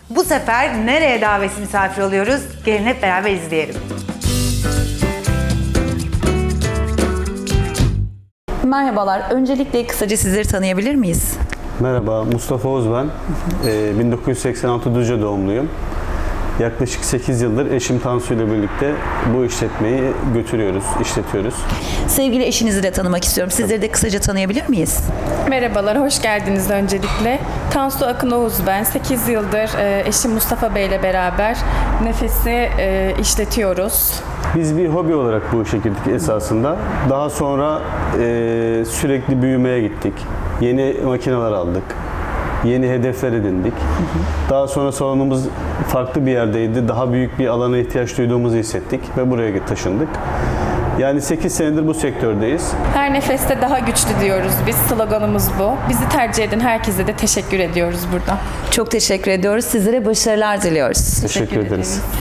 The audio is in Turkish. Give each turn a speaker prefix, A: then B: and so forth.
A: Bu sefer nereye davetsiz misafir oluyoruz? Gelin hep beraber izleyelim.
B: Merhabalar. Öncelikle kısaca sizleri tanıyabilir miyiz?
C: Merhaba, Mustafa Oğuz ben. 1986 Düzce doğumluyum. Yaklaşık 8 yıldır eşim Tansu ile birlikte bu işletmeyi işletiyoruz.
B: Sevgili eşinizi de tanımak istiyorum. Sizleri de kısaca tanıyabilir miyiz?
D: Merhabalar, hoş geldiniz öncelikle. Tansu Akın Oğuz ben. 8 yıldır eşim Mustafa Bey ile beraber Nefes'i işletiyoruz.
C: Biz bir hobi olarak bu işe girdik esasında. Daha sonra sürekli büyümeye gittik. Yeni makineler aldık. Yeni hedefler edindik. Daha sonra salonumuz farklı bir yerdeydi. Daha büyük bir alana ihtiyaç duyduğumuzu hissettik ve buraya taşındık. Yani 8 senedir bu sektördeyiz.
D: Her nefeste daha güçlü diyoruz biz. Sloganımız bu. Bizi tercih eden herkese de teşekkür ediyoruz burada.
B: Çok teşekkür ediyoruz. Sizlere başarılar diliyoruz.
C: Teşekkür ederiz.